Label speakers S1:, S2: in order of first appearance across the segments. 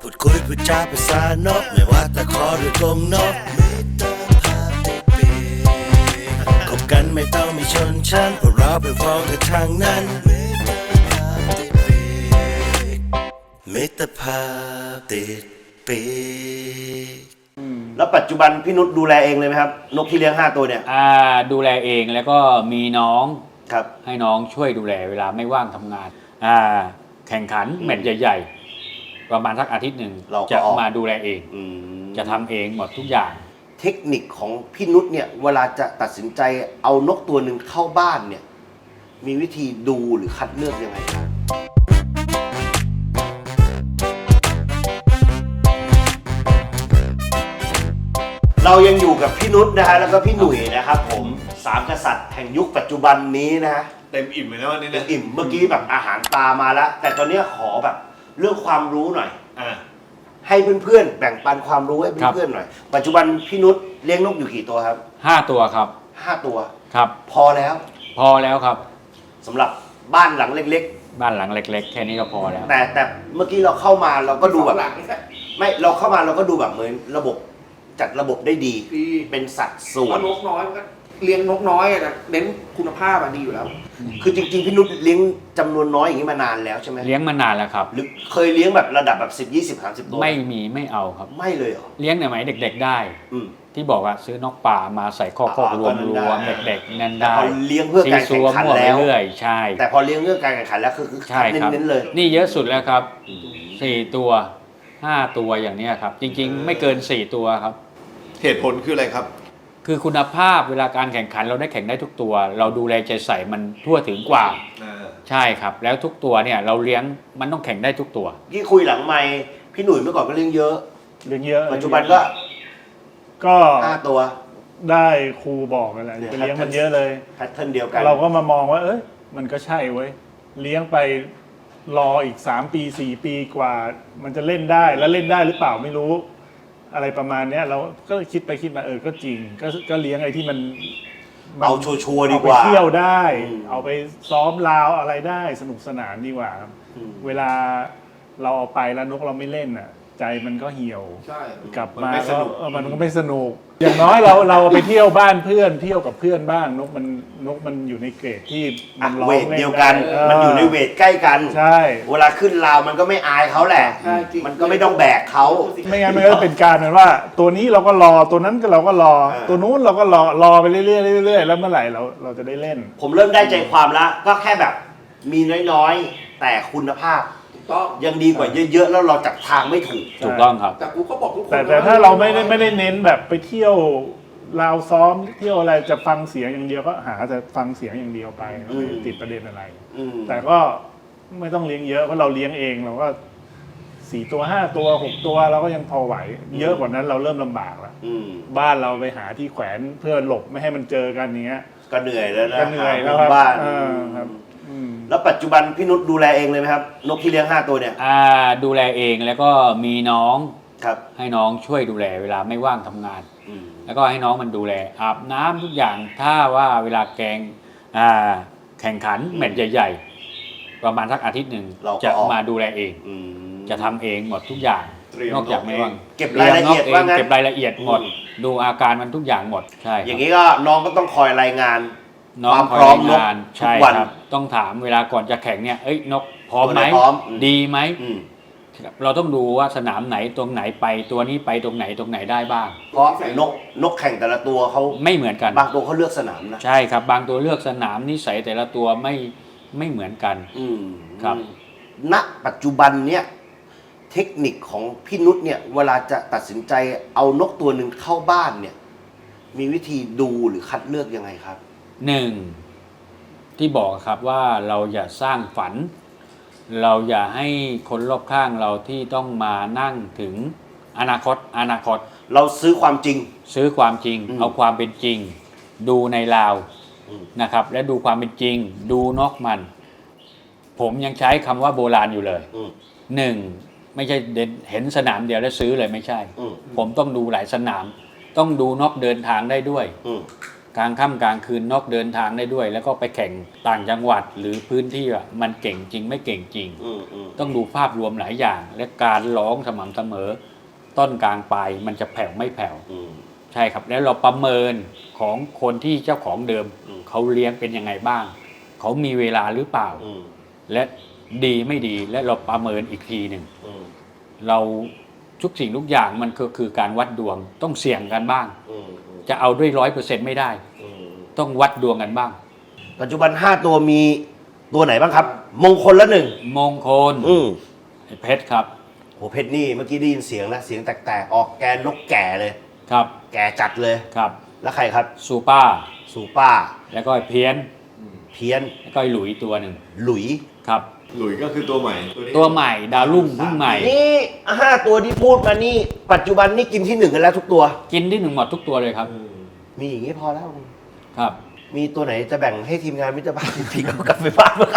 S1: พูดคุยพูดจาภาษานกไม่ว่าแต่คอหรือกรงนกมิตรภาพติดปีกคบกันไม่ต้องมีชนชั้นพวกเราเป็นพ้องกันทางนั้นมิตรภาพติดปีกมิตรภาพติดปีกแล้วปัจจุบันพี่นุชดูแลเองเลยไหมครับนกที่เลี้ยง5ตัวเนี่ย
S2: ดูแลเองแล้วก็มีน้อง
S1: ครับ
S2: ให้น้องช่วยดูแลเวลาไม่ว่างทำงานแข่งขันแมตช์ใหญ่ๆประมาณสักอาทิตย์หนึ่งจะมาดูแลเองจะทำเองหมดทุกอย่าง
S1: เทคนิคของพี่นุชเนี่ยเวลาจะตัดสินใจเอานกตัวหนึ่งเข้าบ้านเนี่ยมีวิธีดูหรือคัดเลือกยังไงครับเรายังอยู่กับพี่นุชนะฮะแล้วก็พี่หนุ่ยนะครับผม3กษัตริย์แห่งยุคปัจจุบันนี้นะฮะ
S3: เต็มอิ่มเลยนะวันนี้
S1: เต็มอิ่มเมื่อกี้แบบอาหารตามาแล้วแต่ตอนนี้ขอแบบเรื่องความรู้หน่อยให้เพื่อนๆแบ่งปันความรู้ให้เพื่อนๆหน่อยปัจจุบันพี่นุชเลี้ยงนกอยู่กี่ตัวครับ
S2: 5 ตัวครับ
S1: 5 ตัว
S2: ครับ
S1: พอแล้ว
S2: ครับ
S1: สำหรับบ้านหลังเล็ก
S2: ๆบ้านหลังเล็กๆแค่นี้ก็พอแล้ว
S1: แต่เมื่อกี้เราเข้ามาเราก็ดูแบบไม่เราเข้ามาเราก็ดูแบบเหมือนระบบจัดระบบได้ดีเป็นสัดส่วน
S4: นกน้อยก็เลี้ยงนกน้อยนะเน้นคุณภาพดีอยู่แล้ว
S1: คือจริงๆพี่นุชเลี้ยงจำนวนน้อยอย่างนี้มานานแล้วใช่ไหม
S2: เลี้ยงมานานแล้วครับ
S1: หรือเคยเลี้ยงแบบระดับแบบ10 20 30ตัว
S2: ไม่เอาครับ
S1: ไม่เลยเหรอ
S2: เลี้ยงในไหมเด็กๆได้ที่บอกว่าซื้อนกป่ามาใส่คอกรวมเด็กๆนั่นได้
S1: พอเลี้ยงเพื่อการแข่งขันแล้ว
S2: ใช่
S1: แต่พอเลี้ยงเพื่อการแข่งขันแล้วคือเน้นๆเลย
S2: นี่เยอะสุดแล้วครับ4 ตัว5 ตัวอย่างนี้ครับจริงๆไม่เกิน4 ตัวครับ
S3: เหตุผลคืออะไรครับ
S2: คือคุณภาพเวลาการแข่งขันเราได้แข่งได้ทุกตัวเราดูแลใจใส่มันทั่วถึงกว่าใช่ครับแล้วทุกตัวเนี่ยเราเลี้ยงมันต้องแข่งได้ทุกตัว
S1: ที่คุยหลังไมค์พี่หนุ่ยเมื่อก่อนก็เลี้ยงเยอะปัจจุบันก็5 ตัว
S5: ได้ครูบอกอะไรไปเลี้ยงมันเยอะเลย
S1: แพทเทิร์นเดียวกัน
S5: เราก็มามองว่ามันก็ใช่เว้ยเลี้ยงไปรออีก3 ปี 4 ปีกว่ามันจะเล่นได้แล้วเล่นได้หรือเปล่าไม่รู้อะไรประมาณนี้เราก็คิดไปคิดมาก็จริงก็เลี้ยงไอ้ที่มัน
S1: เอาชัวร์ดีกว่า
S5: เอาไปเที่ยวได้เอาไปซ้อมลาวอะไรได้สนุกสนานดีกว่าเวลาเราเอาไปแล้วนกเราไม่เล่นอ่ะใจมันก็เหี่ยวกลับมาก็มันก็ไม่สนุกอย่างน้อยเราไปเที่ยวบ้านเพื่อนเที่ยวกับเพื่อนบ้างนกมันอยู่ในเกรดที่มันร้อง
S1: เวทเดียวกันมันอยู่ในเวทใกล้กัน
S5: ใช่
S1: เวลาขึ้นราวมันก็ไม่อายเขาแหละมันก็ไม่ต้องแบกเขา
S5: ไม่งั้นมันก็เป็นการเหมือนว่าตัวนี้เราก็รอตัวนั้นเราก็รอตัวนู้นเราก็รอไปเรื่อยๆแล้วเมื่อไหร่เราจะได้เล่น
S1: ผมเริ่มได้ใจความแล้วก็แค่แบบมีน้อยๆแต่คุณภาพยังดีกว่าเยอะๆแล้วเราจับทางไม่ถูก
S2: ต้องครับ
S4: แต่กูก็บอกทุกคน
S5: แต่ถ้าเราไม่ได้เน้นแบบไปเที่ยวลาวซ้อมเที่ยวอะไรจะฟังเสียงอย่างเดียวก็หาจะฟังเสียงอย่างเดียวไปไม่ติดประเด็นอะไรแต่ก็ไม่ต้องเลี้ยงเยอะเพราะเราเลี้ยงเองเราก็4 ตัว5 ตัว6 ตัวเราก็ยังพอไหวเยอะกว่านั้นเราเริ่มลำบากแล้วบ้านเราไปหาที่แขวนเพื่อหลบไม่ให้มันเจอกันอย่างเงี้ย
S1: ก็เหนื่อยแล้วนะ
S5: ก็เหนื่อยแล้ว
S1: บ้าน
S5: ครับ
S1: แล้วปัจจุบันพี่นุชดูแลเองเลยไหมครับนกที่เลี้ยง5 ตัวเนี่ย
S2: ดูแลเองแล้วก็มีน้อง
S1: ครับ
S2: ให้น้องช่วยดูแลเวลาไม่ว่างทำงานแล้วก็ให้น้องมันดูแลอาบน้ำทุกอย่างถ้าว่าเวลาแข่งขันแมตช์ใหญ่ๆประมาณสักอาทิตย์หนึ่งจะมาดูแลเองจะทำเองหมดทุกอย่างนอกจากไม่ว่าง
S1: เก็บรายละเอียด
S2: เก็บรายละเอียดหมดดูอาการมันทุกอย่างหมดใช่
S1: อย่างนี้ก็น้องก็ต้องคอยรายงาน
S2: น้องคอยรายงานใช่ครับต้องถามเวลาก่อนจะแข่งเนี่ยนกพร้อมไหมดีไหมเราต้องดูว่าสนามไหนตรงไหนไปตัวนี้ไปตรงไหนได้บ้าง
S1: เพราะนกแข่งแต่ละตัวเขา
S2: ไม่เหมือนกัน
S1: บางตัวเขาเลือกสนามนะ
S2: ใช่ครับบางตัวเลือกสนามนิสัยแต่ละตัวไม่เหมือนกันครับ
S1: ณปัจจุบันเนี่ยเทคนิคของพี่นุชเนี่ยเวลาจะตัดสินใจเอานกตัวหนึ่งเข้าบ้านเนี่ยมีวิธีดูหรือคัดเลือกยังไงครับ
S2: 1ที่บอกครับว่าเราอย่าสร้างฝันเราอย่าให้คนรอบข้างเราที่ต้องมานั่งถึงอนาคต
S1: เราซื้อความจริง
S2: เอาความเป็นจริงดูในลาวนะครับและดูความเป็นจริงดูนกมันผมยังใช้คำว่าโบราณอยู่เลย1ไม่ใช่เห็นสนามเดียวแล้วซื้อเลยไม่ใช่ผมต้องดูหลายสนามต้องดูนกเดินทางได้ด้วยกลางค่ำกลางคืนนกเดินทางได้ด้วย แล้วก็ไปแข่งต่างจังหวัดหรือพื้นที่อะมันเก่งจริงไม่เก่งจริง ต้องดูภาพรวมหลายอย่าง และการร้องสม่ำเสมอ ต้นกลางปลายมันจะแผ่วไม่แผ่วใช่ครับแล้วเราประเมินของคนที่เจ้าของเดิมเขาเลี้ยงเป็นยังไงบ้าง เขามีเวลาหรือเปล่าและดีไม่ดีและเราประเมินอีกทีหนึ่งเราทุกสิ่งทุกอย่างมันก็คือการวัดดวงต้องเสี่ยงกันบ้างจะเอาด้วย100%ไม่ได้ต้องวัดดวงกันบ้าง
S6: ปัจจุบัน5ตัวมีตัวไหนบ้างครับ มงคลละหนึ่ง
S2: มงคลเพชรครับ
S6: โหเพชรนี่เมื่อกี้ได้ยินเสียงแล้วเสียงแตกๆออกแกนนกแก่เลย
S2: ครับ
S6: แก่จัดเลย
S2: ครับ
S6: แล้วใครครับ
S2: ซูป้า
S6: สูป้า
S2: แล้วก็เพี้ยน
S6: เพี้ยน
S2: แล้วก็หลุยตัวหนึ่ง
S6: หลุย
S2: ครับ
S3: หลุยก็คือตัวใหม่นี้
S2: ตัวใหม่ดาวรุ่งเพิ่งใหม่
S6: นี่5ตัวที่พูดมานี่ปัจจุบันนี่กินที่1กันแล้วทุกตัว
S2: กินที่หนึ่งหมดทุกตัวเลยครับ
S6: มีอย่างนี้พอแล้ว
S2: ครับ
S6: มีตัวไหนจะแบ่งให้ทีมงานมิตรภาพทีมกลับไปบ้านบ้าง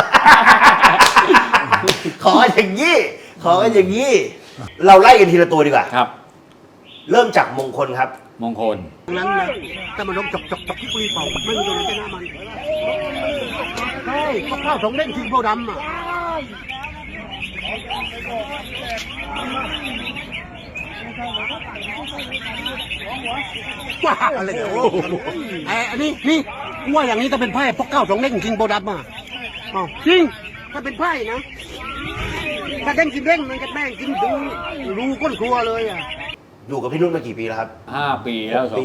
S6: ขออย่างนี้ ขอกันอย่างนี้ เราไล่กันทีละตัวดีกว่า
S2: ครับ
S6: เริ่มจากมงคลครับ
S2: มงคล
S7: นั้นนะถ้ามันลงจกที่ปุยเป่าไม่มีอะไรจะหน้ามันใช่ข้าวสองเล่นทิ้งโบดำอ่ะว้าอะไรเนี่ยอันนี้นี่ว่าอย่างนี้ถ้าเป็นไพ่พวกข้าวสองเล่นทิ้งโบดำอ่ะจริงถ้าเป็นไพ่นะถ้าเด้งกินเด้งมันก็แม่งกินดูรูก้นครัวเลยอ่ะ
S6: อยู่กับพี่นุ่นมากี่ปีแล้วครับ
S2: 5 ปีแล้ว
S6: 6 ปี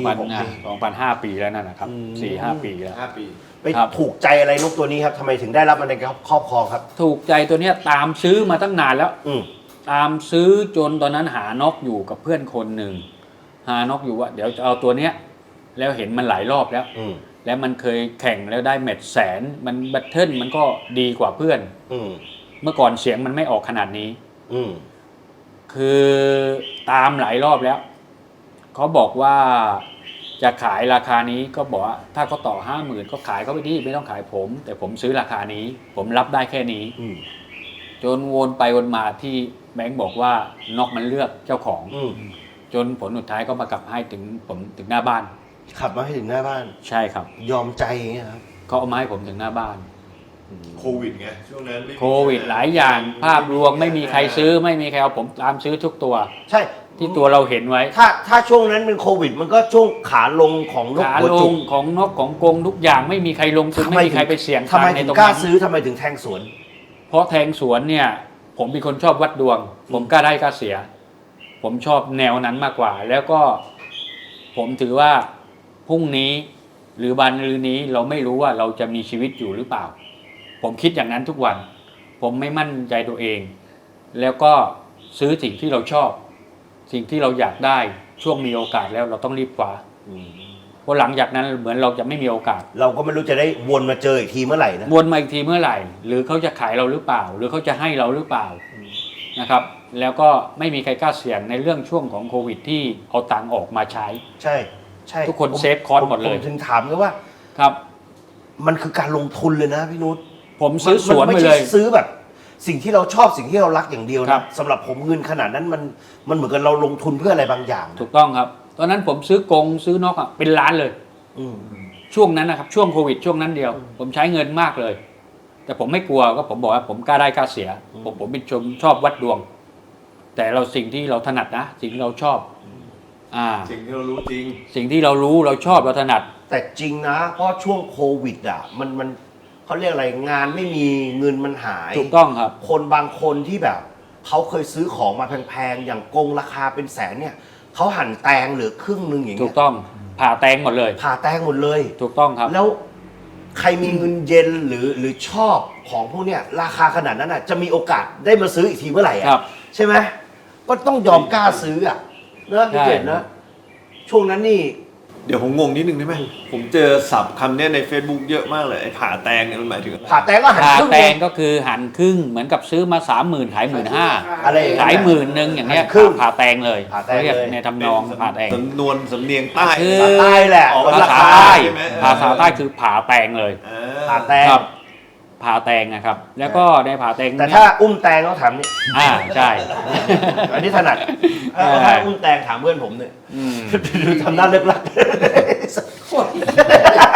S2: 2005 ปีแล้วนั่นนะครับ 4-5 ปีแล้ว
S3: 5 ปี
S6: ไปถูกใจอะไรนกตัวนี้ครับทำไมถึงได้รับมันในครอบครองครับ
S2: ถูกใจตัวเนี้ยตามซื้อมาตั้งนานแล้ว
S6: อืม
S2: ตามซื้อจนตอนนั้นหานกอยู่กับเพื่อนคนหนึ่งหานกอยู่ว่าเดี๋ยวจะเอาตัวเนี้ยแล้วเห็นมันหลายรอบแล้ว
S6: อืม
S2: แล้วมันเคยแข่งแล้วได้เม็ดแสนมันแบตเทิลมันก็ดีกว่าเพื่อน
S6: อืม
S2: เมื่อก่อนเสียงมันไม่ออกขนาดนี้
S6: อืม
S2: คือตามหลายรอบแล้วเขาบอกว่าจะขายราคานี้ก็บอกว่าถ้าเขาต่อ 50,000ก็ขายเขาไปที่ไม่ต้องขายผม แต่ผมซื้อราคานี้ ผมรับได้แค่นี้
S6: อืม
S2: จนวนไปวนมาที่แบงค์บอกว่านกมันเลือกเจ้าของ
S6: อืม
S2: จนผลสุดท้ายก็มากลับให้ถึงผมถึงหน้าบ้าน
S6: ขับมาให้ถึงหน้าบ้าน
S2: ใช่ครับ
S6: ยอมใจอย่างเงี้ยครับ
S2: เขาเอามาให้ผมถึงหน้าบ้าน
S3: โควิดไงช่วงนั้นไม่มี
S2: โควิดหลายอย่างภาพรวมไม่มีใครซื้อไม่มีใครเอาผมตามซื้อทุกตัว
S6: ใช่
S2: ที่ตัวเราเห็นไว้
S6: ถ้าช่วงนั้นเป็นโควิด มันก็ช่วงขาลงของนก
S2: ขา
S6: หัว
S2: ล
S6: จุ
S2: ง
S6: ก
S2: ของนกของกรงทุกอย่างไม่มีใครลงทุนไม่มีใครไปเสี่ยง
S6: ทำไม
S2: ใน
S6: ถึง
S2: ตรง
S6: กล้า
S2: นั้น
S6: ซื้อทำไมถึงแทงสวน
S2: เพราะแทงสวนเนี่ย ผมเป็นคนชอบวัดดวง ผมกล้าได้กล้าเสีย ผมชอบแนวนั้นมากกว่า แล้วก็ผมถือว่าพรุ่งนี้หรือวันรืนนี้เราไม่รู้ว่าเราจะมีชีวิตอยู่หรือเปล่า ผมคิดอย่างนั้นทุกวัน ผมไม่มั่นใจตัวเอง แล้วก็ซื้อสิ่งที่เราชอบ สิ่งที่เราอยากได้ช่วงมีโอกาสแล้วเราต้องรีบคว้าเพราะหลังจากนั้นเหมือนเราจะไม่มีโอกาส
S6: เราก็ไม่รู้จะได้วนมาเจออีกทีเมื่อไหร่นะ
S2: วนมาอีกทีเมื่อไหร่ หรือเขาจะขายเราหรือเปล่า หรือเขาจะให้เราหรือเปล่านะครับ แล้วก็ไม่มีใครกล้าเสี่ยงในเรื่องช่วงของโควิดที่เอาตังค์ออกมาใช้
S6: ใช่ใช่
S2: ทุกคนเซฟคอร์สหมดเลย
S6: ผมถึงถามเลยว่า
S2: ครับ
S6: มันคือการลงทุนเลยนะพี่นุช
S2: ผมซื้อสวน
S6: ไม่
S2: ไป
S6: ใช่
S2: เลย
S6: ซื้อแบบ สิ่งที่เราชอบสิ่งที่เรารักอย่างเดียว
S2: ครั
S6: นะ
S2: บ
S6: สำหรับผมเงินขนาดนั้นมันเหมือนกับเราลงทุนเพื่ออะไรบางอย่าง
S2: ถูกต้องครับ ตอนนั้นผมซื้อกรงซื้อนกอ่ะเป็นล้านเลย
S6: อืม
S2: ช่วงนั้นนะครับช่วงโควิดช่วงนั้นเดียว ผมใช้เงินมากเลย แต่ผมไม่กลัวก็ผมบอกว่าผมกล้าได้กล้าเสีย ผมเป็นชอบวัดดวง แต่เราสิ่งที่เราถนัดนะ สิ่งที่เราชอบ
S3: สิ่งที่เรารู้จริง
S2: สิ่งที่เรารู้เราชอบเราถนัด
S6: แต่จริงนะเพราะช่วงโควิดอ่ะมันเขาเรียกอะไรงานไม่มีเงินมันหาย
S2: ถูกต้องครับ
S6: คนบางคนที่แบบเขาเคยซื้อของมาแพงๆอย่างกรงราคาเป็นแสนเนี่ยเขาหั่นแตงเหลือครึ่งนึงอย่าง
S2: ถู
S6: เงี้
S2: ก
S6: ย
S2: ต้องผ่าแตงหมดเลย
S6: ผ่าแตงหมดเลย
S2: ถูกต้องครับ
S6: แล้วใครมีเงินเย็นหรือชอบของพวกเนี้ยราคาขนาดนั้นอ่ะจะมีโอกาสได้มาซื้ออีกทีเมื่อไหร่
S2: ครั
S6: อ่ะ
S2: บ
S6: ใช่ไหมก็ต้องยอมกล้าซื้ออ่ะเนอะพี่เจตนะช่วงนั้นนี่
S3: เดี๋ยวผมงงนิดนึงได้ไหมผมเจอศัพท์คำเนี้ยใน Facebook เยอะมากเลยไอ้ผ่าแตงเนี่ยมันหมายถึงอะไร
S6: ผ่าแตงก็หั่น
S2: ผ่า
S6: ครึ่ง
S2: แต
S6: เอง
S2: งก็คือหั่นครึ่งเหมือนกับซื้อมา 30,000ขาย 15,000
S6: อะไรอย่างเงี้ย
S2: ขาย10,000อย่างเงี้ย
S6: หั่นครึ่ง
S2: ผ่าแตงเลย
S6: ผ่าแตง
S2: เรียก
S6: เลย
S2: ในทำนองผ่าแตง
S3: สำนวนสำเนียงใต้
S2: คือ
S6: ภาษาใต้แหละ
S3: อ๋อ
S6: ลด
S2: ภา
S6: รา
S2: ษา
S6: คา
S2: ใต้
S3: ใช่ไหม
S2: ภาษาใต้คือผ่าแตงเลย
S6: ผ่าแตง
S2: ครับผ่าแตงนะครับ แล้วก็ในผ่าแตง
S6: แต่ถ้าอุ้มแตงเขาถามนี่
S2: ใช่
S6: อันนี้ถนัด
S2: ใช่
S6: ถ้าอุ้มแตงถามเพื่อนผมเนี่ย
S2: อืม
S6: ดูทำหน้าเลิกลัก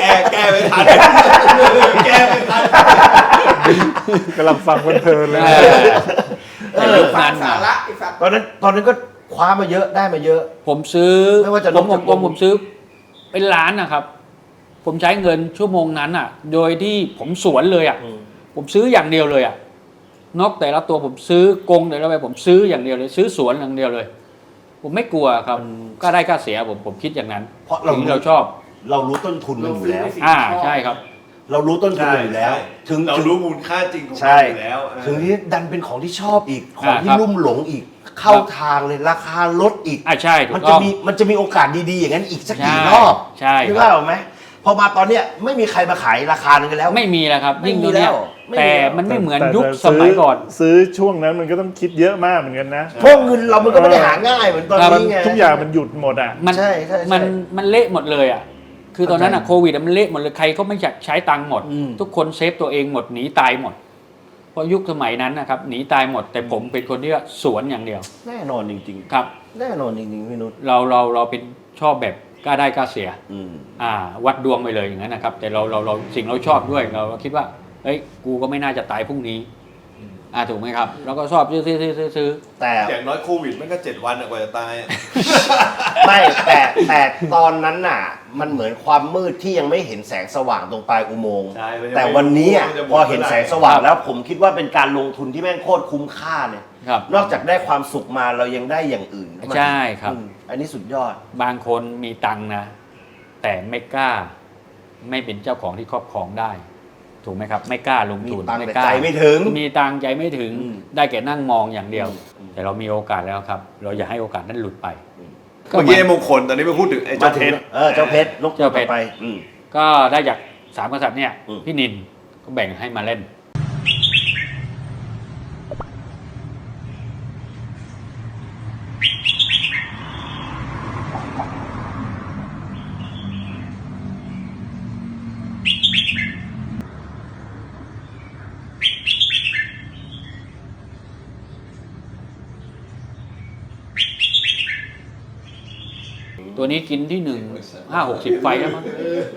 S3: แก้ไม่ทันแก้ไม่ทัน
S5: กำลังฟังเพลินๆเลย
S2: แต่ยุคนั้น
S4: สาระไอ้สัตว์
S6: ตอนนั้นก็คว้ามาเยอะได้มาเยอะ
S2: ผมซื้อ
S6: ไม่ว่าจะ
S2: ผม
S6: นกจะ
S2: ผมซื้อเป็นล้านนะครับ ผมใช้เงินชั่วโมงนั้นอ่ะ โดยที่ผมสวนเลยอ่ะ ผมซื้ออย่างเดียวเลยอ่ะนกแต่ละตัวผมซื้อกรงแต่ละใบผมซื้ออย่างเดียวเลย ซื้อสวนอย่างเดียวเลย ผมไม่กลัวครับก็ได้ค่าเสียผมคิดอย่างนั้น
S6: เพราะเรา
S2: สิ่งที่เราชอบ
S6: เรารู้ต้นทุนมันอยู่แล้ว
S2: ใช่ครับ
S6: เรารู้ต้นทุนมันอยู่แล้ว ถึง
S3: เรารู้มูลค่าจริงของ
S6: ใช่
S3: มันอยู่แล้ว
S6: ถึงที่ดันเป็นของที่ชอบอีกของที่
S2: ครับ
S6: ลุ่มหลงอีก เข้าทางเลยราคาลดอีก
S2: ใช่ถู
S6: มัน
S2: ก
S6: จะ
S2: ต้อง
S6: มันจะมีโอกาสดีๆอย่างนั้นอีกสักกี่
S2: ใช่
S6: รอบ
S2: ใช่
S6: นึก
S2: ครับ
S6: ภาพออกไหมพอมาตอนเนี้ยไม่มีใครมาขายราคานั้นกันแล้ว
S2: ไม่มีแล้วครับ
S6: ไม่
S2: ยิ่ง
S6: มี
S2: ตัวเนี้ย
S6: แล้วไม่มี
S2: แต่
S6: แล้ว
S2: มันไม่เหมือน
S5: แต่
S2: ยุค
S5: แต่
S2: สมัยก่อน
S5: ซื้อช่วงนั้นมันก็ต้องคิดเยอะมากเหมือนกันนะ
S6: เพราะเงินเรามันก็ไม่ได้หาง่ายเหมือนตอนนี้ไง
S5: ทุกอย่างมันหยุดหมดอ่ะ
S2: มัน
S6: ใช่ใช่
S2: มันเละหมดเลยอ่ะ คือตอนนั้นอ่ะ
S6: เข้าใจ
S2: โควิดอะมันเละหมดเลยใครก็ไม่อยากใช้ตังค์หมด
S6: อืม
S2: ทุกคนเซฟตัวเองหมดหนีตายหมดเพราะยุคสมัยนั้นนะครับหนีตายหมด แต่ผมเป็นคนที่ว่าสวนอย่างเดียว
S6: แน่นอนจริง
S2: ครับ
S6: ๆแน่นอนจริงๆพี่นุช
S2: เราเป็นชอบแบบกล้าได้กล้าเสีย
S6: อืม
S2: วัดดวงไปเลยอย่างนั้นนะครับ แต่เราสิ่งเราชอบด้วยเราคิดว่าเฮ้ยกูก็ไม่น่าจะตายพรุ่งนี้ถูกไหมครับเราก็ชอบซื้อ
S6: แต่
S3: อย่างน้อยโควิดมันก็7 วันอะกว่าจะตายอะ
S6: ไม่แต่ตอนนั้นน่ะ มันเหมือนความมืดที่ยังไม่เห็นแสงสว่างตรงปลายอุโมงค์
S3: ใช่มันยังไม่
S6: แต่วันนี้อ่ะ
S3: รู้ว่ามันจะหมด
S6: พอเห็นแสงสว่าง
S2: ครับ
S6: แล้วผมคิดว่าเป็นการลงทุนที่แม่งโคตรคุ้มค่าเนี่ย
S2: ครับ
S6: นอกจากได้ความสุขมาเรายังได้อย่างอื่นเข้ามา
S2: ใช่ครับ
S6: อันนี้สุดยอด
S2: บางคนมีตังค์นะ แต่ไม่กล้าไม่เป็นเจ้าของที่ครอบครองได้ ถูกไหมครับ ไม่กล้าลง
S6: มี
S2: ทุน
S6: ตังค์
S2: ไม่
S6: แต่
S2: กล้า
S6: ใจไม่ถึง
S2: มีตังค์ใจไม่ถึง
S6: อืม
S2: ได้แก่นั่งมองอย่างเดียว
S6: อืม
S2: แต่เรามีโอกาสแล้วครับ เราอย่าให้โอกาสนั้นหลุดไป
S3: เมื่อกี้ไอ้มงคลตอนนี้มาพูดถึงไอ้เจ้าเพชร
S6: เจ้าเพชรนก
S2: เจ้าเพชร
S6: ไป
S2: ก็ได้จากสามกษัตริย์เนี่ย
S6: อืม
S2: พี่นินก็แบ่งให้มาเล่น ตัวนี้กินที่หนึ่ง50-60 ไฟแล้วมั้ง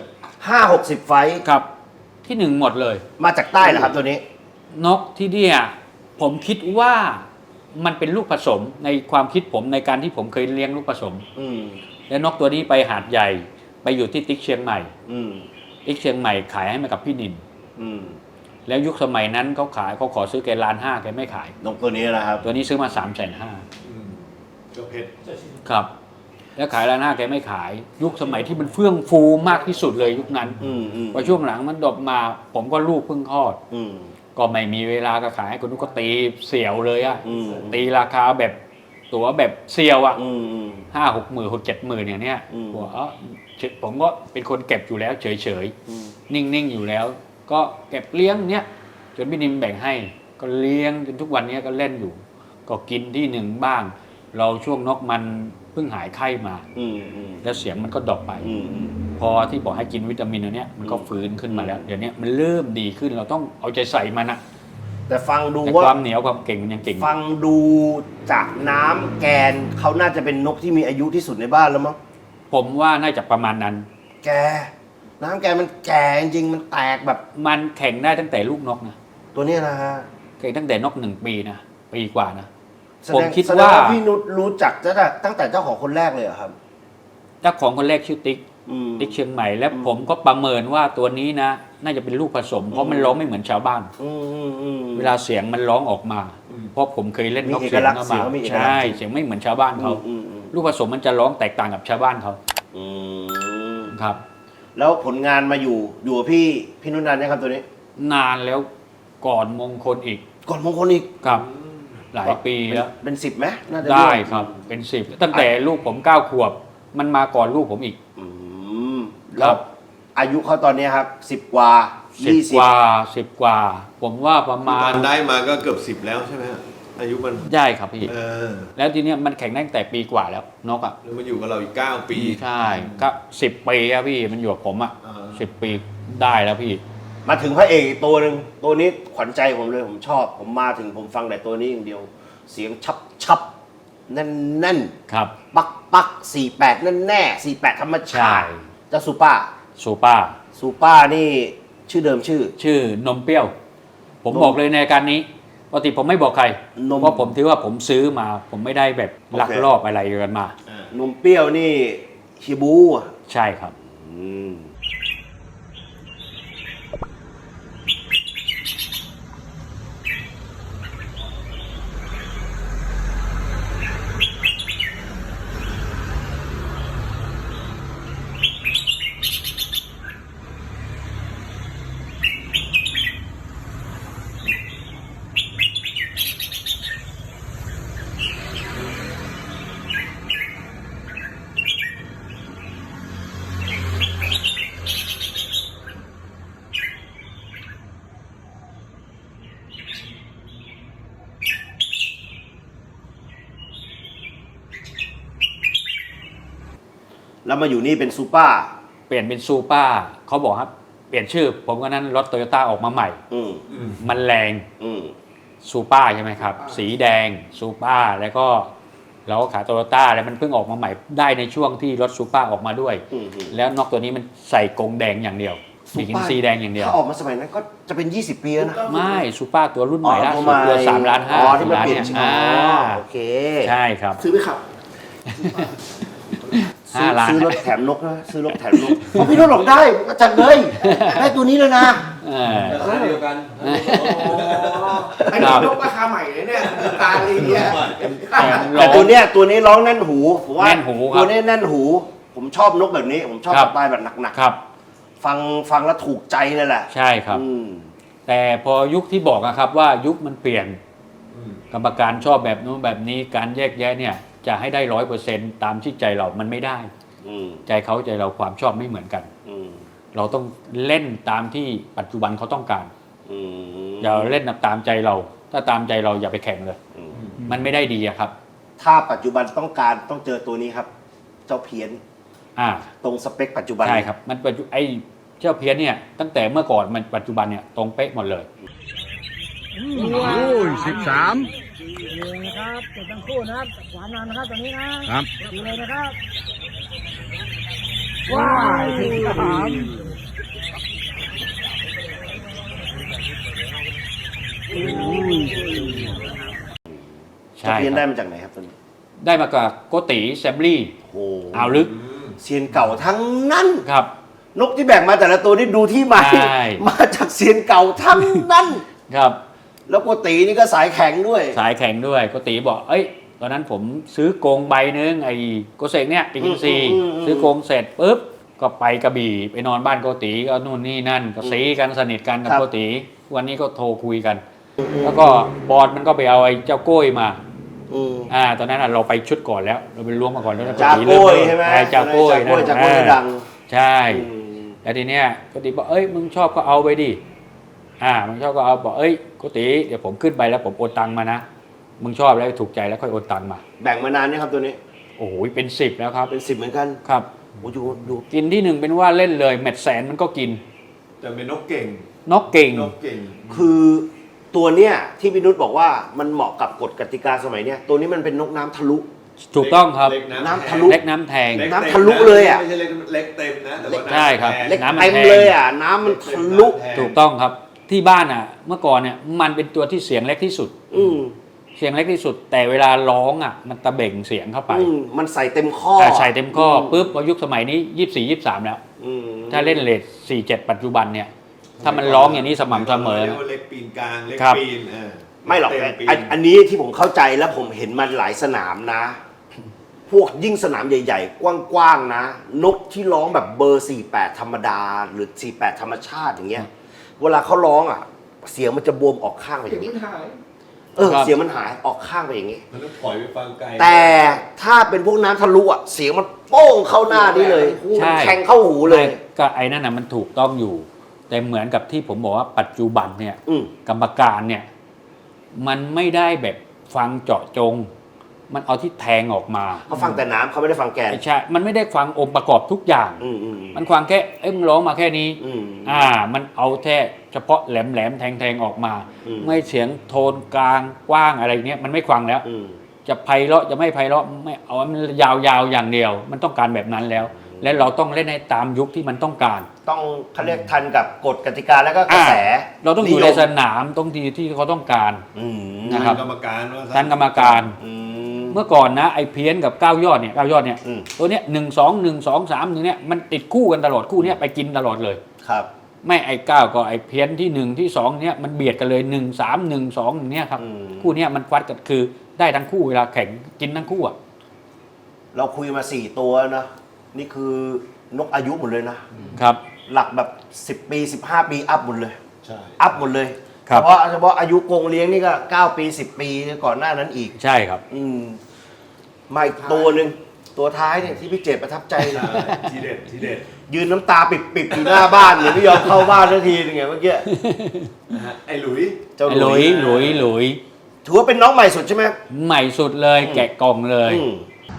S6: 50-60 ไฟท์
S2: ครับที่หนึ่งหมดเลย
S6: มาจากใต้เหรอครับตัวนี้
S2: นกที่เนี่ยผมคิดว่ามันเป็นลูกผสมในความคิดผมในการที่ผมเคยเลี้ยงลูกผสม
S6: อืม
S2: และนกตัวนี้ไปหาดใหญ่ไปอยู่ที่ติ๊กเชียงใหม่
S6: อืม
S2: ติ๊กเชียงใหม่ขายให้มากับพี่นิน
S6: อืม
S2: แล้วยุคสมัยนั้นเขาขอซื้อแก1.5 แกไม่ขาย
S6: นกตัวนี้นะครับ
S2: ตัวนี้ซื้อมา350,000
S3: เจ้าเพชร
S2: ครับ แล้วขาย1.5 แกไม่ขาย ยุคสมัยที่มันเฟื่องฟูมากที่สุดเลยยุคนั้น
S6: อืมอืม
S2: พอช่วงหลังมันดรอปมา ผมก็ลูกเพิ่งคลอด
S6: อืม
S2: ก็ไม่มีเวลาก็ขายให้คนนู้นก็ตีเสี่ยวเลยอะ
S6: อืม
S2: ตีราคาแบบตัวแบบเซียวอะ
S6: อืมอืม
S2: 5-6 หมื่น6-7 หมื่นอย่างเนี้ย
S6: อืม
S2: ผมก็เป็นคนเก็บอยู่แล้วเฉย
S6: อืม
S2: ๆนิ่งๆอยู่แล้ว ก็เก็บเลี้ยงเนี้ยจนพี่นิมแบ่งให้ ก็เลี้ยงจนทุกวันนี้ก็เล่นอยู่ ก็กินที่หนึ่งบ้าง เราช่วงนกมันเพิ่งหายไข้มา
S6: อืมอืม
S2: แล้วเสียงมันก็ดรอปไป
S6: อืมอืม
S2: พอที่บอกให้กินวิตามินอันเนี้ยมันก็ฟื้นขึ้นมาแล้ว เดี๋ยวนี้มันเริ่มดีขึ้นเราต้องเอาใจใส่มันอะ
S6: แต่ฟังดู
S2: แต่
S6: ว่า
S2: ความเหนียวความเก่งมันยังเก่ง
S6: ฟังดูจากน้ำแกนเขาน่าจะเป็นนกที่มีอายุที่สุดในบ้านแล้วมั้ง
S2: ผมว่าน่าจะประมาณนั้น
S6: แก น้ำแกมันแก่จริงๆมันแตกแบบ
S2: มันแข่งได้ตั้งแต่ลูกนกนะ
S6: ตัวเนี้ยนะฮะ
S2: แข่งตั้งแต่นก1 ปีนะปีกว่านะ
S6: แส
S2: ผม
S6: ดง
S2: คิด
S6: แสดง
S2: ว่า
S6: พี่นุชรู้จักตั้งแต่เจ้าของคนแรกเลยเหรอครับ
S2: เจ้าของคนแรกชื่อติ๊ก
S6: อืม
S2: ติ๊กเชียงใหม่และผมก็ประเมินว่าตัวนี้นะ น่าจะเป็นลูกผสม เพราะมันร้องไม่เหมือนชาวบ้าน
S6: อืมอืมอืม
S2: เวลาเสียงมันร้องออกมา เพราะผมเคยเล่นนก
S6: มีเอก
S2: เสียง
S6: ลักษณ์
S2: เข้า
S6: เสี
S2: มาย
S6: งมีเอกลักษณ์
S2: ใช่เสียงไม่เหมือนชาวบ้านเขา
S6: อืมอืม
S2: ลูกผสมมันจะร้องแตกต่างกับชาวบ้านเขา
S6: อืม
S2: ครับ
S6: แล้วผลงานมาอยู่กับพี่นุชนานยังครับตัวนี้
S2: นานแล้วก่อนมงคลอีก
S6: ก่อนมงคลอีก
S2: ครับ หลายปีแล้ว
S6: เป็น10ไหมน่าจะ
S2: ได้ครับเป็น10ตั้งแต่ลูกผม9 ขวบ มันมาก่อนลูกผมอีก
S6: อืม
S2: ค
S6: แล้
S2: รั
S6: ว
S2: บ
S6: อายุเขาตอนนี้ครับ10 กว่า
S2: 10 กว่า10 กว่า ผมว่าประมา
S3: ต
S2: ณ
S3: อนได้มาก็เกือบ10แล้วใช่ไหมฮะอายุมัน
S2: ได้ครับพี่
S3: แล้ว
S2: ทีเนี้ยมันแข่งได้ตั้งแต่ปีกว่าแล้วนกอ่ะ
S3: มันอยู่กับเราอีก9 ปี
S2: ใช่ก็10 ปีครับพี่มันอยู่กับผมอ่ะ
S3: อ่า
S2: 10 ปีได้แล้วพี่
S6: มาถึงพระเอกอีกตัวหนึ่งตัวนี้ขวัญใจผมเลยผมชอบ ผมมาถึงผมฟังแต่ตัวนี้อย่างเดียว เสียงชับแน่น
S2: ครับ
S6: ปัก48แน่นแน่48ธรรมชาติ
S2: ใช่
S6: เจ้าซูเปอร์
S2: ซูเปอร์
S6: ซูเปอร์นี่ชื่อเดิมชื่อ
S2: ชื่อนมเปรี้ยว ผมบอกเลยในการนี้ปกติผมไม่บอกใคร
S6: นม
S2: เพราะผมถือว่าผมซื้อมา ผมไม่ได้แบบลักลอบอะไรกันมา
S6: นมเปรี้ยวนี่ชิบูอ่ะ
S2: ใช่ครับ
S6: อืม แล้วมาอยู่นี่เป็นซูเปอร์
S2: เปลี่ยนเป็นซูเปอร์เขาบอกครับ เปลี่ยนชื่อ ผมก็นั้นรถโตโยต้าออกมาใหม่
S6: อืม
S2: มันแรง
S6: อืม
S2: ซูเปอร์ใช่ไหมครับ สีแดงซูเปอร์แล้วก็เราก็ขายโตโยต้าแล้วมันเพิ่งออกมาใหม่ได้ในช่วงที่รถซูเปอร์ออกมาด้วย
S6: อืม
S2: แล้วนอกตัวนี้มันใส่กรงแดงอย่างเดียวสีหินสีแดงอย่างเดียว
S6: ถ้าออกมาสมัยนั้นก็จะเป็น 20 ปีแล้วนะ
S2: ไม่ซูเปอร์ตัวรุ่นใหม่ล่าสุด
S6: อ๋อ
S2: ตัว3.5 ล้าน
S6: อ๋อที่มันเปลี่ยนชื่อ
S2: อ่า
S6: โอเค
S2: ใช่ครับ
S4: ซื้อไปขับ
S2: 5 ล้าน
S6: ซื้อรถแถมนกนะซื้อรถแถมนกพอพี่รถหลอกได้ก็จัดเลยได้ตัวนี้เลยนะ
S2: เออ
S3: ราคาเดียวกัน
S4: อันนี้นกราคาใหม่เลยเนี่ยตาลีเนี่ย
S6: แต่ตัวนี้ร้องแน่นหูผมว่า
S2: แน่นหูครับ
S6: ตัวนี้แน่นหู ผมชอบนกแบบนี้ ผมชอบ
S2: ครั
S6: ส
S2: บ
S6: ไตล์แบบหนัก
S2: ครับ
S6: ๆฟังแล้วถูกใจเลยแหละ
S2: ใช่ครับ
S6: อืม
S2: แต่พอยุคที่บอกนะครับว่ายุคมันเปลี่ยน กรรมการชอบแบบนู้นแบบนี้การแยกแยะเนี่ยจะให้ได้100%ตามที่ใจเรามันไม่ได้
S6: อืม
S2: ใจเขาใจเราความชอบไม่เหมือนกัน
S6: อืม
S2: เราต้องเล่นตามที่ปัจจุบันเขาต้องการ
S6: อืม
S2: อย่าเล่นตามใจเรา ถ้าตามใจเราอย่าไปแข่งเลย
S6: อืม
S2: มันไม่ได้ดีอะครับ
S6: ถ้าปัจจุบันต้องการต้องเจอตัวนี้ครับ เจ้าเพี้ยน
S2: อ่า
S6: ตรงสเปคปัจจุบัน
S2: ใช่ครับมันไอ้เจ้าเพี้ยนเนี่ยตั้งแต่เมื่อก่อนมันปัจจุบันเนี่ยตรงเป๊ะหมดเลย
S7: 13
S8: เลยนะครับเก็บทั้งคู่นะครับหวานนานนะครับตรงนี้นะครับดูเลยนะครับว้าย13
S2: ใช่
S6: เจ้าเพี้ยน
S2: ค
S6: ได้
S2: รับ
S6: มาจากไหนครับตัวนี้
S2: ได้มากับโกติแซมลี่
S6: โอ้
S2: อ่าวลึก
S6: เซียนเก่าทั้งนั้น
S2: ครับ
S6: นกที่แบ่งมาแต่ละตัวนี่ดูที่มา
S2: ใช่
S6: มาจากเซียนเก่าทั้งนั้น
S2: ครับ
S6: แล้วโกตีนี่ก็สายแข็งด้วย
S2: สายแข่งด้วยโกติบอกเอ้ยตอนนั้นผมซื้อกรงใบนึงไอ้โกเซกเนี่ยปีกินซีซื้อกรงเสร็จปุ๊บก็ไปกระบี่ไปนอนบ้านโกติก็นู่นนี่นั่นก็ซีกันสนิทกันกับ
S6: ครับ
S2: โกติวันนี้ก็โทรคุยกัน แล้วก็บอสมันก็ไปเอาไอ้เจ้าโก้ยมา
S6: อืม
S2: ตอนนั้นเราไปชุดก่อนแล้ว เราไปล้วงมาก่อนแล้ว
S6: จากโก้ยใช่ไหม
S2: จากโก้ยนะ
S6: จากโก้ยดัง
S2: ใช่
S6: อืม
S2: แล้วทีเนี้ยโกติบอกเอ้ยมึงชอบก็เอาไปดิมึงชอบก็เอาบอกเอ้ยโกติเดี๋ยวผมขึ้นไปแล้วผมโอนตังค์มานะมึงชอบแล้วถูกใจแล้วค่อยโอนตังค์มา
S6: แบ่งมานานเนี่ยครับตัวนี้
S2: โอ้โหเป็น10แล้วครับ
S6: เป็น10เหมือนกัน
S2: ครับ
S6: โอ้อยู่
S2: กินที่1เป็นว่าเล่นเลยแมตช์แสนมันก็กิน
S3: แต่เป็นนกเก่ง
S2: นกเก่ง
S3: นกเก่ง
S6: คือตัวเนี้ยที่พี่นุชบอกว่ามันเหมาะกับกฎกติกาสมัยเนี้ยตัวนี้มันเป็นนกน้ำทะลุ
S2: ถูกต้องครับ
S3: เล็ก
S6: น้ำทะลุ
S2: เล็กน้ำแทง
S3: เล็ก
S6: น้ำทะลุเลยอะ
S3: ไม่ใช่เล็กเต็มนะแต่ว่าน้ำ
S2: ใช่ครับ
S3: แพง
S6: เล็ก
S2: น้ำมัน
S6: เต็ม
S2: แพง
S6: เลยอ่ะ น้ำมันทะลุ
S2: ถูกต้องครับที่บ้านเมื่อก่อนเนี่ยมันเป็นตัวที่เสียงเล็กที่สุด
S6: อืม
S2: เสียงเล็กที่สุด แต่เวลาร้องมันตะเบ่งเสียงเข้าไป
S6: มันใส่เต็มข้อ
S2: ใส่เต็มข้อปุ๊บพอยุคสมัยนี้24-23แล้ว
S6: อืม
S2: ถ้าเล่นเลท47ปัจจุบันเนี่ยถ้ามันร้องอย่างนี้สม่ำเสมอ
S3: เรียกว่าเล็กปีนกลางเล็ก
S2: ครับ
S3: ปีน
S6: ไม่หรอก
S3: เต็ปีน
S6: อันนี้ที่ผมเข้าใจแล้วผมเห็นมาหลายสนามนะ พวกยิ่งสนามใหญ่ๆ กว้างๆนะ นกที่ร้องแบบเบอร์ 48 ธรรมดา หรือ 48 ธรรมชาติอย่างเงี้ย เวลาเขาร้องเสียงมันจะบวมออกข้างไปอ
S4: อย่า
S6: ย่าง ง
S4: นี้
S6: นี้
S4: หาย
S2: ครับ
S6: เสียงมันหายออกข้างไปอย่างนี้
S3: มันต้องถอยไปฟังไกล
S6: แต่ถ้าเป็นพวกน้ำทะลุเสียงมันโป้งเข้าหน้านี่เลย
S2: ใช่
S6: แทงเข้าหูเลย
S2: ก็ไอ้นั่นมันถูกต้องอยู่ แต่เหมือนกับที่ผมบอกว่าปัจจุบันเนี่ย
S6: อืม
S2: กรรมการเนี่ยมันไม่ได้แบบฟังเจาะจง มันเอาที่แทงออกมา
S6: เขาฟังแต่น้ำเขาไม่ได้ฟังแกน
S2: ไม่ใช่มันไม่ได้ฟังองค์ประกอบทุกอย่าง
S6: อืม
S2: มันฟังแค่มึงร้องมาแค่นี้
S6: อืม
S2: มันเอาแค่เฉพาะแหลมๆแทงๆออกมา
S6: อืม
S2: ไม่เสียงโทนกลางกว้างอะไรเนี้ยมันไม่ฟังแล้ว
S6: อืม
S2: จะไพเราะจะไม่ไพเราะไม่เอามันยาวๆอย่างเดียว มันต้องการแบบนั้นแล้วและเราต้องเล่นให้ตามยุคที่มันต้องการ
S6: ต้องเขาเรียกทันกับกฎกติกาแล้วก็กระแส
S2: เราต้องอยู่ในสนามตรงที่เขาต้องการ
S6: อืม
S2: นะครับ
S3: กรรมการว่า
S2: ท่านกรรมการ
S6: อืม
S2: เมื่อก่อนนะไอ้เพี้ยนกับ9 ยอดเนี่ย9 ยอดเนี่ย
S6: อืม
S2: ตัวเนี้ย1-2-1-2-3อย่างเนี้ยมันติดคู่กันตลอดคู่เนี้ยไปกินตลอดเลย
S6: ครับ
S2: ไม่ไอ้9ก็ไอ้เพี้ยนที่1ที่2เนี้ยมันเบียดกันเลย1-3-1-2อย่างเนี้ยครับ
S6: อืม
S2: คู่เนี้ยมันฟัดกันคือได้ทั้งคู่เวลาแข่งกินทั้งคู่อ่ะ
S6: เราคุยมา4ตัวนะนี่คือนกอายุหมดเลยนะ
S2: ครับ
S6: หลักแบบ10 ปี 15 ปีอัพหมดเลย
S3: ใช่
S6: อัพหมดเลย
S2: ครับ
S6: เฉพาะอายุกรงเลี้ยงนี่ก็9 ปี 10 ปีก่อนหน้านั้นอีก
S2: ใช่ครับ
S6: อืมมาอีกตัวหนึ่งตัวท้ายเนี่ยที่พี่เจตประทับใจเลย
S3: ทีเด็ดทีเด็ด
S6: ยืนน้ำตาปิบๆอยู่หน้าบ้านเนี่ยไม่ยอมเข้าบ้านสักทีนึงไงเมื่อกี้
S3: นะฮะไอ้หลุย
S6: เจ้า
S2: ไอ้
S6: ห
S2: ห
S6: ลุ
S2: ลุ
S6: ย
S2: ยหลุยหลุย
S6: ถือว่าเป็นน้องใหม่สุดใช่ไหม
S2: ใหม่สุดเลยแกะกล่องเลย
S6: อืม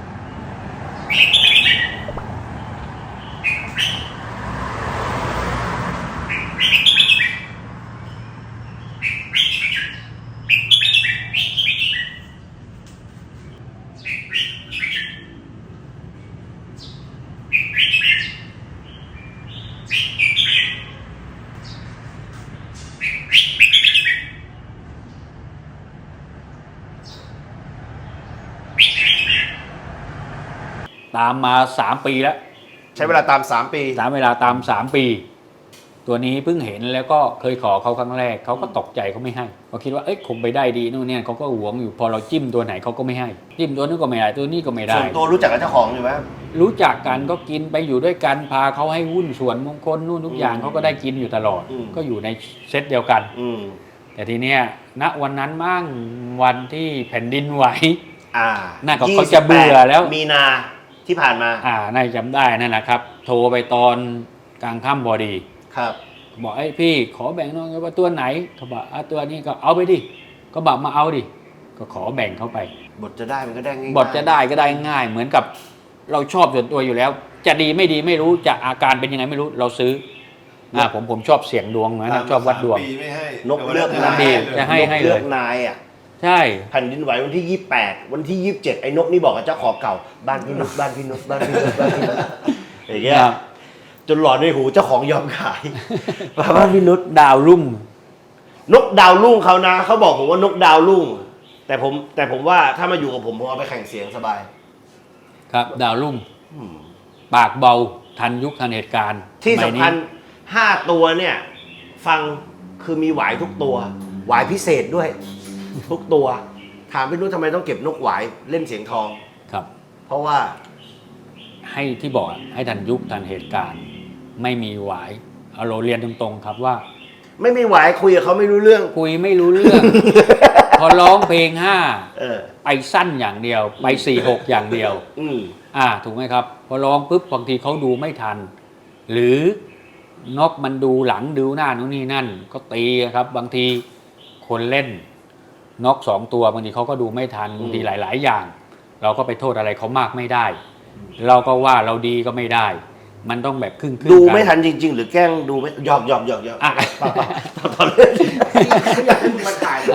S2: ตามมา3 ปีแล้ว
S6: ใช้เวลาตาม3 ปี
S2: เวลาตาม3 ปี ตัวนี้เพิ่งเห็นแล้วก็เคยขอเขาครั้งแรกเขาก็ตกใจเขาไม่ให้เขาคิดว่าเอ้ยคงไปได้ดีนู่นเนี่ยเขาก็หวงอยู่พอเราจิ้มตัวไหนเขาก็ไม่ให้ จิ้มตัวนู้นก็ไม่ได้ตัวนี้ก็ไม่ได้
S6: ส่วนตัวรู้จักกับเจ้าของอยู่ไหม
S2: รู้จักกันก็กินไปอยู่ด้วยกันพาเขาให้หุ้นส่วนมงคลนู่นทุกอย่างเขาก็ได้กินอยู่ตลอด ก็อยู่ในเซตเดียวกัน
S6: อืม
S2: แต่ทีเนี้ยณวันนั้นมั่งวันที่แผ่นดินไหว น่าเขาจะเบื่อแล้ว
S6: มีนาที่ผ่านมา
S2: น่าจะจำได้นั่นแหละครับ โทรไปตอนกลางค่ำพอดี
S6: ครับ
S2: บอกไอ้พี่ขอแบ่งน้องว่าตัวไหนเขาบอกตัวนี้ก็เอาไปดิก็บอกมาเอาดิก็ขอแบ่งเข้าไป
S6: บทจะได้มันก็ได้ง่ายๆ
S2: บทจะได้ก็ได้ง่าย เหมือนกับเราชอบส่วนตัวอยู่แล้ว จะดีไม่ดีไม่รู้จะอาการเป็นยังไงไม่รู้เราซื้อผมชอบเสี่ยงดวงนะชอบวัดดวง
S3: ปีไม่ให้
S6: นกเลือก
S2: น
S6: นาย
S2: ดีจะให้
S6: นกเลือก
S2: เลย
S6: นายอ่ะ
S2: ใช่
S6: แผ่นดินไหววันที่ 28 วันที่ 27 ไอ้นกนี่บอกกับเจ้าของเก่า บ้านพี่นุชบ้านพี่นุชบ้านพี่นุชบ้านพี่นุชอย่างเงี้ย
S2: ครับ
S6: จนหลอนในหูเจ้าของยอมขาย บ้านพี่นุช
S2: ดาวรุ่ง
S6: นกดาวรุ่งเขานะเขาบอกผมว่านกดาวรุ่ง แต่ผมว่าถ้ามาอยู่กับผมเอาไปแข่งเสียงสบาย
S2: ครับดาวรุ่งปากเบาทันยุคทันเหตุการณ์
S6: ที่
S2: สมัย
S6: สำ
S2: นี้
S6: คัญ5 ตัวเนี่ย ฟังคือมีหวายทุกตัว หวายพิเศษด้วย ทุกตัว ถามพี่นุชทำไมต้องเก็บนกหวายเล่นเสียงทอง
S2: ครับ
S6: เพราะว่า
S2: ให้ที่บอกให้ทันยุคทันเหตุการณ์ ไม่มีหวายเอาเราเรียนตรงๆครับว่า
S6: ไม่มีหวายคุยกับเขาไม่รู้เรื่อง
S2: คุยไม่รู้เรื่อง พอร้องเพลง
S6: เออ
S2: 5 ไปสั้นอย่างเดียว ไป 4-6 อย่างเดียว
S6: อืม
S2: ถูกไหมครับ พอร้องปุ๊บบางทีเขาดูไม่ทัน หรือนกมันดูหลังดูหน้านู่นนี่นั่น ก็ตีครับ บางทีคนเล่นนก2 ตัวบางทีเขาก็ดูไม่ทันบางทีหลาย ๆ อย่าง เราก็ไปโทษอะไรเขามากไม่ได้ เราก็ว่าเราดีก็ไม่ได้ มันต้องแบบครึ่งๆ
S6: ดู
S2: กัน
S6: ไม่ทันจริง ๆ หรือแกล้งดูไม่หยอก
S2: อ่ะ
S6: เปล่าตอนเล่น
S4: อยากให้มึงมาถ่าย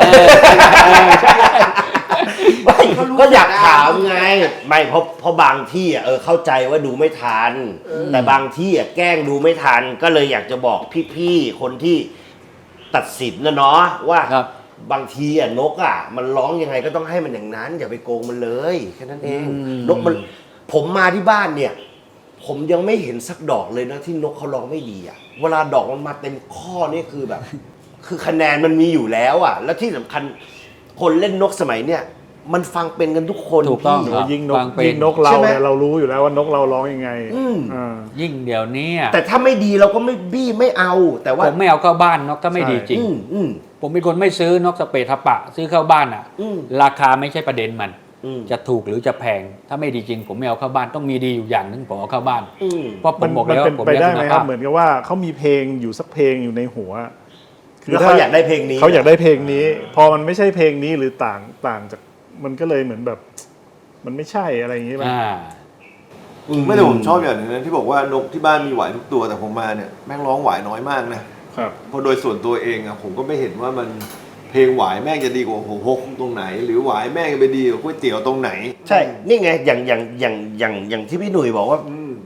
S6: ไม่ก็อยากถามไง ไม่เพราะบางที่อ่ะเข้าใจว่าดูไม่ทัน แต่บางที่อ่ะแกล้งดูไม่ทัน ก็เลยอยากจะบอกพี่ๆคนที่ตัดสินนะเนาะว่า
S2: ครับ
S6: บางทีอ่ะนกอ่ะมันร้องยังไงก็ต้องให้มันอย่างนั้นอย่าไปโกงมันเลยแค่นั้นเอง นกมันผมมาที่บ้านเนี่ย ผมยังไม่เห็นสักดอกเลยนะที่นกเขาร้องไม่ดีอ่ะเวลาดอกมันมาเต็มข้อนี่คือแบบ คือคะแนนมันมีอยู่แล้วอ่ะ แล้วที่สำคัญคนเล่นนกสมัยเนี่ยมันฟังเป็นกันทุกคน
S2: ถูกต้อง
S6: พี่
S2: ครับ
S5: ยิ่งน
S2: ฟั
S5: ก
S2: งเป็น
S5: ยิ่งนกเรา
S6: ใช่ไหม
S5: เนี่ยเรารู้อยู่แล้วว่านกเราร้องยังไง
S6: อืม
S5: อ่า
S2: ยิ่งเดี๋ยวนี้
S6: แต่ถ้าไม่ดีเราก็ไม่บี้ไม่เอา แต่ว่า
S2: ผมไม่เอาเข้าบ้านนกถ้าไม่
S5: ใช่
S2: ดีจริง
S6: อืม
S2: ผมเป็นคนไม่ซื้อนกสเปรย์ทปะ ซื้อเข้าบ้านราคาไม่ใช่ประเด็นมัน
S6: อืม
S2: จะถูกหรือจะแพง ถ้าไม่ดีจริง ผมไม่เอาเข้าบ้านต้องมีดีอยู่อย่างหนึงผมเอาเข้าบ้าน
S6: อืม
S2: เพราะผมบอก
S5: มัน
S2: แล้ว
S5: เป็น
S2: ผม
S5: ไป
S2: เรียก
S5: ได้
S2: คุ
S5: ไหม
S2: ณ
S5: ครั
S2: ภา
S5: บ
S2: พ
S5: เหมือนกับว่าเขามีเพลงอยู่สักเพลงอยู่ในหัว
S6: แล้วเขาอยากได้เพลงนี้
S5: เขาอยากได้เพลงนี้ พอมันไม่ใช่เพลงนี้หรือต่างจากมันก็เลยเหมือนแบบ มันไม่ใช่อะไรอย่างนี้ป่ะ
S3: ไม่แต่ผมชอบอย่างหนึงนะที่บอกว่านกที่บ้านมีหวายทุกตัวแต่ผมมาเนี่ยแม่งร้องหวายน้อยมากนะครับ เพราะโดยส่วนตัวเองอะผมก็ไม่เห็นว่ามันเพลงหวายแม่งจะดีกว่าหัวหกตรงไหน หรือหวายแม่งจะไปดีกว่าก๋วยเตี๋ยวตรงไหน
S6: ใช่ นี่ไงอย่างที่พี่หนุ่ยบอกว่า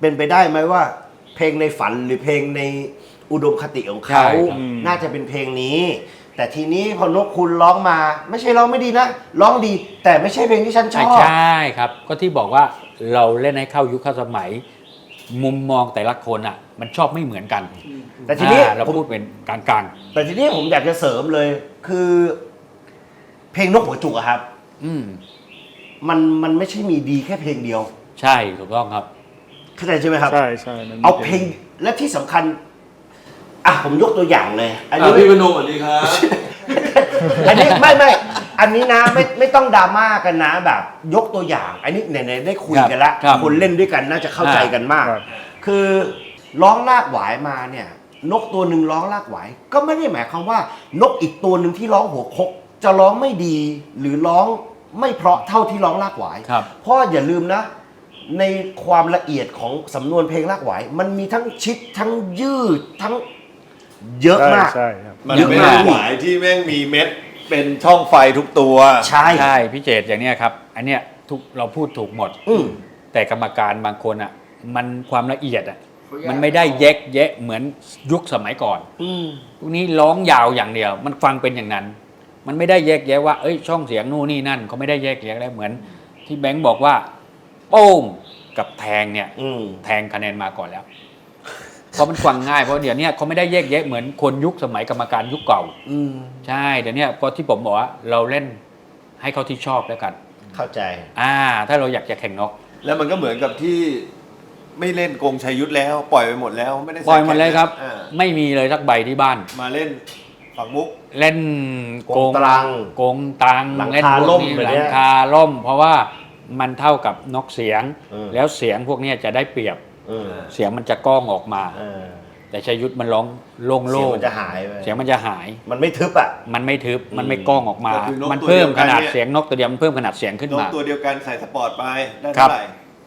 S6: เป็นไปได้ไหมว่า เพลงในฝันหรือเพลงในอุดมคติของเขา
S2: ใช่ครับ
S6: น่าจะเป็นเพลงนี้ แต่ทีนี้พอนกคุณร้องมาไม่ใช่ร้องไม่ดีนะร้องดี แต่ไม่ใช่เพลงที่ฉันชอบ
S2: ใช่ครับ ก็ที่บอกว่าเราเล่นให้เข้ายุคเข้าสมัย มุมมองแต่ละคนอ่ะ มันชอบไม่เหมือนกัน
S6: แต่ทีนี้
S2: เราพูดเป็นกลาง
S6: แต่ทีนี้ผมอยากจะเสริมเลยคือ เพลงนกหัวจุกอะครับ
S2: ๆ
S6: มันไม่ใช่มีดีแค่เพลงเดียว
S2: ใช่ถูกต้องครับ
S6: เข้าใจใช่ไหมครับ
S5: ใช่ใช่มันมี
S6: เอาเพลงและที่สำคัญอ่ะผมยกตัวอย่างเลย อัน
S3: อ่ะ
S6: นี้
S3: พี่พนมสวัสดีครับ
S6: อันนี้ไม่อันนี้นะไม่ต้องดราม่ากันนะแบบ ยกตัวอย่าง อันนี้ไหนๆได้คุยกันละ
S2: ครับ
S6: คนเล่นด้วยกันน่าจะเข้าใจกันมาก
S5: ครับ
S6: คือร้องลากหวายมาเนี่ย นกตัวหนึ่งร้องลากหวายก็ไม่ได้หมายความว่า นกอีกตัวหนึ่งที่ร้องหัวคกจะร้องไม่ดี หรือร้องไม่เพราะเท่าที่ร้องลากหวาย
S2: ครับ
S6: เพราะอย่าลืมนะ ในความละเอียดของสำนวนเพลงลากหวายมันมีทั้งชิดทั้งยืดทั้งเยอะมาก
S5: ใช่ครับ
S3: มัน
S6: เยอะ
S3: ไม่
S6: มาก
S3: ได้หวายที่แม่งมีเม็ดเป็นช่องไฟทุกตัว
S6: ใช่
S2: ใช่พี่เจตอย่างเนี้ยครับ อันเนี้ยเราพูดถูกหมด
S6: อืม
S2: แต่กรรมการบางคนอ่ะ มันความละเอียดอ่ะ
S4: เขาแยก
S2: มันไม่ได้แยกแยะเหมือนยุคสมัยก่อน
S6: อืม
S2: พวกนี้ร้องยาวอย่างเดียว มันฟังเป็นอย่างนั้น มันไม่ได้แยกแยะว่าเอ้ยช่องเสียงนู่นนี่นั่นเขาไม่ได้แยกแยะได้เหมือน ที่แบงค์บอกว่าโป้งกับแทงเนี่ย
S6: อืม
S2: แทงคะแนนมาก่อนแล้ว เพราะมันฟังง่ายเพราะเดี๋ยวนี้เขาไม่ได้แยกแยะเหมือนคนยุคสมัยกรรมการยุคเก่า
S6: อืม
S2: ใช่เดี๋ยวนี้เพราะที่ผมบอกว่าเราเล่นให้เขาที่ชอบแล้วกัน
S6: เข้าใจ
S2: ถ้าเราอยากจะแข่งนก
S3: แล้วมันก็เหมือนกับที่ไม่เล่นกงชัยยุทธแล้ว ปล่อยไปหมดแล้วไม่ได้ใส่
S2: ปล่อยหมดเลยครับ
S3: อ่า
S2: ไม่มีเลยสักใบที่บ้าน
S3: มาเล่นฝั่งมุก
S2: เล่น
S6: โกงตรัง
S2: โกงตัง
S6: หลังคา
S2: เล่นพวกนี้
S6: ล่มแบบ
S2: หลั
S6: เนี้
S2: ง
S6: ย
S2: คาล่ม เพราะว่ามันเท่ากับนกเสียง
S6: แล้ว
S2: เสียงพวกเนี้ยจะได้เปรียบ
S6: อืม
S2: เสียงมันจะก้องออกมา
S6: เออ
S2: แต่ชัยยุทธมันร้องโล่ง
S6: เสียง
S2: ๆ
S6: มันจะหายไป
S2: เสียงมันจะหาย
S6: มันไม่ทึบอ่ะ
S2: มันไม่ทึบมันไม่ก้องออกมา
S3: ก็คือนก
S2: มันเพิ่ม
S3: ตัวเดียวกัน
S2: ขนาด
S3: เนี่ย
S2: เสียงนกตัวเดียวมันเพิ่มขนาดเสียงขึ้น
S3: นก
S2: มา
S3: ตัวเดียวกันใส่สปอร์ตไปได้
S2: ครั
S3: เท่า
S2: บ
S3: ไหร่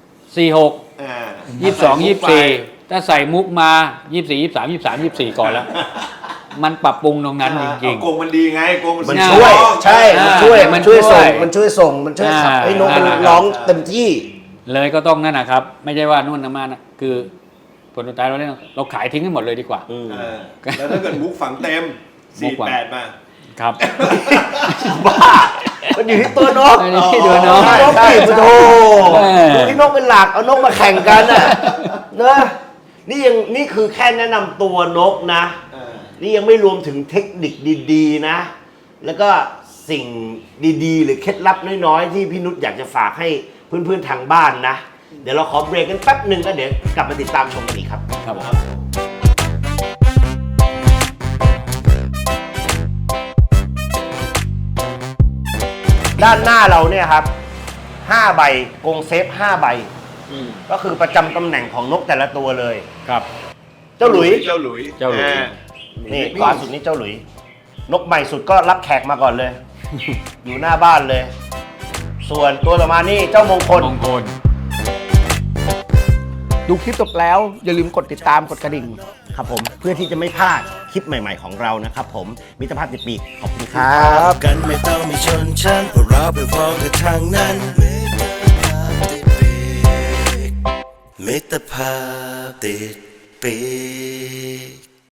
S2: 46
S3: อ่า
S2: 22 24ถ้าใส่มุกมา 24 23 23 24 ก่อนแล้ว มันปรับปรุงตรงนั้นจริง
S3: เอากงมันดีไงกงมัน
S6: มัน
S2: ใช่
S6: ช่วย ใช่ มันช่วย
S2: มั
S6: มัน
S2: นช่
S6: ช่ว
S2: วย ย
S6: ส่ง มันช่วยส่ง มันช่วยขับ
S2: อ่า
S6: ให้นกมัน
S2: นั่นแหละ
S6: ร้องเต็มที่
S2: ๆ เลยก็ต้องนั่นนะครับ ไม่ใช่ว่านู่นนะมานะคือผลสุดท้ายเราเล่นเราขายทิ้งให้หมดเลยดีกว่า
S3: อ่าแล้วถ้าเกิดมุกฝังเต็ม
S2: มุกฝัง
S3: 48 มา
S2: ครับ
S6: บ้า มันอยู่ที่ตัวนก
S2: มันอยู่ที่ตัวนก
S6: นก
S2: ใช่
S6: ปีบโธ
S2: เออ
S6: ดูที่นกเป็นหลัก เอานกมาแข่งกันอ่ะเนอะนี่คือแค่แนะนำตัวนกนะ นี่ยังไม่รวมถึงเทคนิคดีๆนะ แล้วก็สิ่งดีๆ หรือเคล็ดลับน้อยๆ ที่พี่นุชอยากจะฝากให้เพื่อนๆทางบ้านนะ เดี๋ยวเราขอเบรกกันแป๊บหนึ่งแล้วเดี๋ยวกลับมาติดตามชมกันอีกครับ
S2: ครับผม
S6: ด้านหน้าเราเนี่ยครับ5 ใบกรงเซฟ 5 ใบ ก็คือประจำตำแหน่งของนกแต่ละตัวเลย
S2: ครับ
S6: เจ้าหลุย
S3: เจ้าหลุย
S2: เจ้าหลุย
S6: นี่ขวาสุดนี่เจ้าหลุย นกใหม่สุดก็รับแขกมาก่อนเลย อยู่หน้าบ้านเลย ส่วนตัวต่อมานี่เจ้ามงคล
S2: มงคล
S6: ดูคลิปจบแล้วอย่าลืมกดติดตามกดกระดิ่งครับผมเพื่อที่จะไม่พลาดคลิปใหม่ๆของเรานะครับผมมิตรภาพติดปีกขอบคุณครับ
S1: กันไม่ต้องมีชนชั้นเพราะเราเป็นพ้องกันทางนั้นมิตรภาพติดปีก